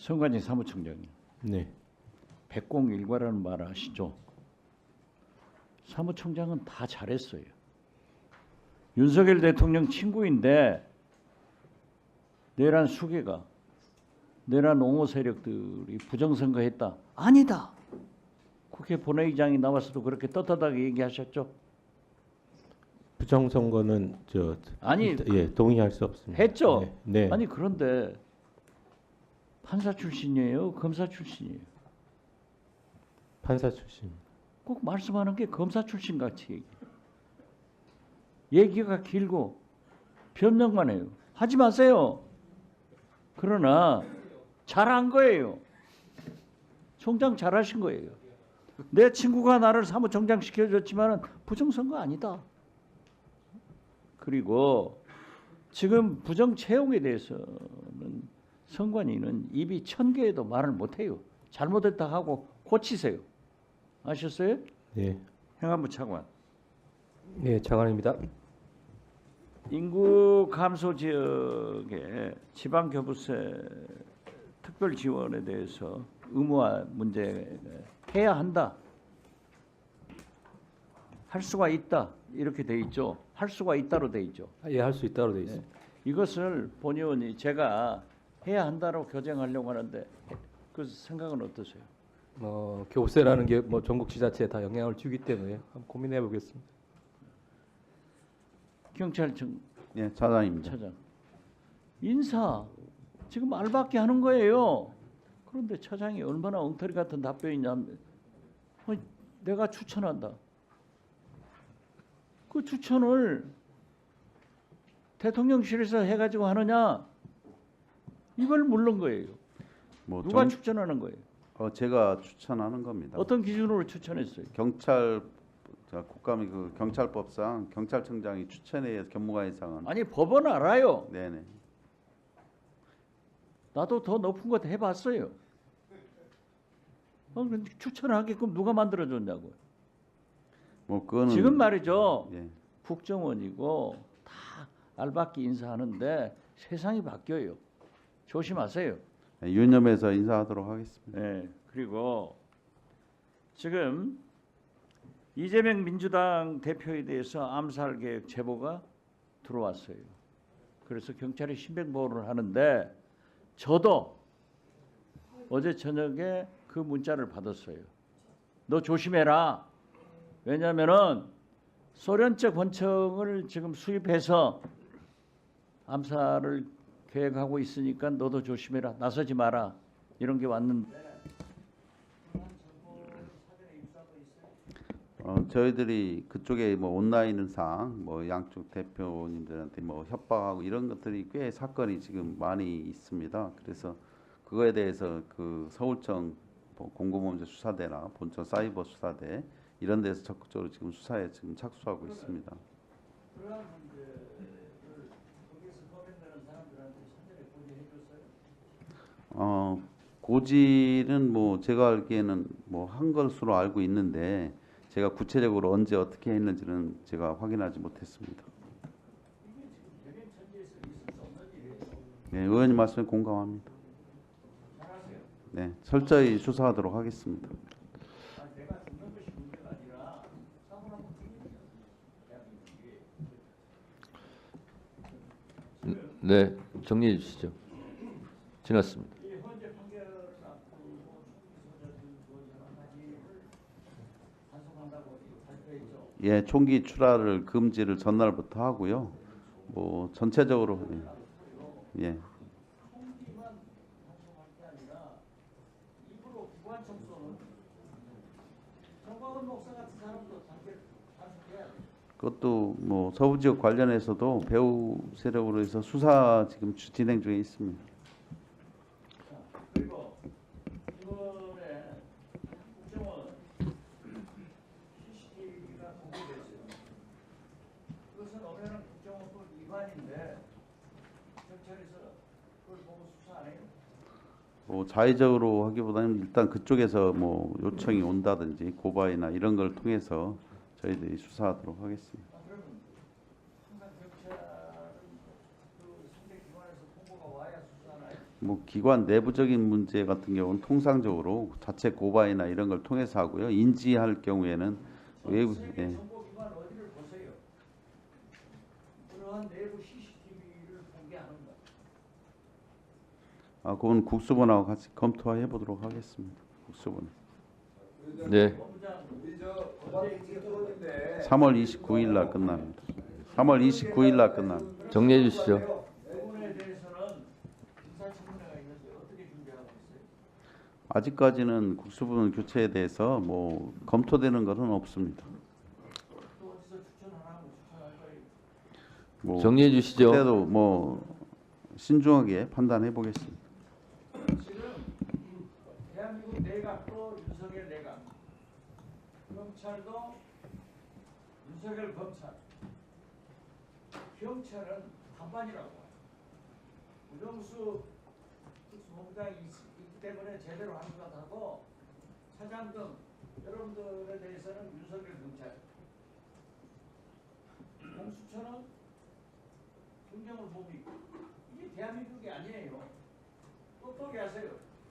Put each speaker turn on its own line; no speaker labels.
성관이 사무총장님,
네.
백공일과라는 말 아시죠? 사무총장은 다 잘했어요. 윤석열 대통령 친구인데 내란 수개가, 내란 옹호 세력들이 부정선거했다. 아니다. 국회 본회의장이 나와서도 그렇게 떳떳하게 얘기하셨죠.
부정선거는
아니,
예, 동의할 수 없습니다.
했죠.
네. 네.
아니 그런데 판사 출신이에요, 검사 출신이에요?
판사 출신.
꼭 말씀하는 게 검사 출신 같이 얘기가 길고 변명만 해요. 하지 마세요. 그러나 잘한 거예요. 총장 잘하신 거예요. 내 친구가 나를 사무총장 시켜줬지만 부정선거 아니다. 그리고 지금 부정 채용에 대해서는 선관위는 입이 1000개에도 말을 못해요. 잘못했다 하고 고치세요. 아셨어요?
네.
행안부 차관.
네, 차관입니다.
인구 감소 지역의 지방교부세 특별 지원에 대해서 의무화 문제 해야 한다. 할 수가 있다. 이렇게 돼 있죠. 할 수가 있다로 돼 있죠.
예, 할 수 있다로 돼 있습니다.
이것을 본 의원이 제가 해야 한다로 교정하려고 하는데 그 생각은 어떠세요?
교부세라는 게 뭐 전국 지자체에 다 영향을 주기 때문에 한번 고민해 보겠습니다.
경찰청
예, 차장입니다.
차장. 인사 지금 알밖에 하는 거예요. 그런데 차장이 얼마나 엉터리 같은 답변이냐면 내가 추천한다. 그 추천을 대통령실에서 해가지고 하느냐? 이걸 물는 거예요.
뭐
누가 추천하는 거예요?
제가 추천하는 겁니다.
어떤 기준으로 추천했어요?
국감이 그 경찰법상 경찰청장이 추천해야 경무관 이상은.
아니 법은 알아요.
네네.
나도 더 높은 것 해봤어요. 근데 추천하게끔 누가 만들어줬냐고요.
뭐 그거는
지금 말이죠.
예.
국정원이고 다 알박기 인사하는데 세상이 바뀌어요. 조심하세요.
유념해서 인사하도록 하겠습니다.
네, 그리고 지금 이재명 민주당 대표에 대해서 암살 계획 제보가 들어왔어요. 그래서 경찰이 신변보호를 하는데 저도 어제 저녁에 그 문자를 받았어요. 너 조심해라. 왜냐하면은 소련적 권총을 지금 수입해서 암살을 계획하고 있으니까 너도 조심해라. 나서지 마라. 이런 게 왔는데
저희들이 그쪽에 뭐 온라인상 뭐 양쪽 대표님들한테 뭐 협박하고 이런 것들이 꽤 사건이 지금 많이 있습니다. 그래서 그거에 대해서 그 서울청 뭐 공공범죄 수사대나 본청 사이버 수사대 이런 데서 적극적으로 지금 수사에 지금 착수하고 있습니다. 고지는 뭐 제가 알기에는 뭐 한 것으로 알고 있는데 제가 구체적으로 언제 어떻게 했는지는 제가 확인하지 못했습니다. 네, 의원님 말씀에 공감합니다. 네, 철저히 수사하도록 하겠습니다.
네, 정리해 주시죠. 지났습니다.
예, 총기 출하를 금지를 전날부터 하고요. 뭐 전체적으로 예. 그것도 뭐 서부 지역 관련해서도 배후 세력으로 해서 수사 지금 진행 중에 있습니다.
그리고 이번에 국정원 CCTV가 공개됐어요. 그것은 엄연한 국정원법 위반인데 경찰에서 그걸 보고 수사 안 해요?
뭐 자의적으로 하기보다는 일단 그쪽에서 뭐 요청이 온다든지 고발이나 이런 걸 통해서 저희들이 수사하도록 하겠습니다.
그러면 항상 경찰은 그 상대 기관에서 통보가 와야 수사하나요?
뭐 기관 내부적인 문제 같은 경우는 통상적으로 자체 고발이나 이런 걸 통해서 하고요. 인지할 경우에는 외부 예.
정보기관 어디를 보세요. 그러한 내부 CCTV를 공개하는가.
아, 그건 국수본하고 같이 검토해 보도록 하겠습니다. 국수본.
네.
3월 29일 날 끝납니다. 3월 29일 날 끝납니다.
정리해 주시죠.
부분에 대해서는 인사청문회가 있는데 어떻게 준비하고 있어요?
아직까지는 국수본 교체에 대해서 뭐 검토되는 것은 없습니다.
또 어디서 추천하라고 추천할 거예요.
뭐
정리해 주시죠.
그때도 뭐 신중하게 판단해 보겠습니다.
지금 대한민국 내각도 윤석열 내각, 검찰도 윤석열 검찰, 경찰은 반반이라고 봐요. 우정수 특수본부장이 있기 때문에 제대로 한 것 같고 차장 등 여러분들에 대해서는 윤석열 경찰, 공수처는 김경을 보고 있고 이게 대한민국이 아니에요. 똑똑히 하세요.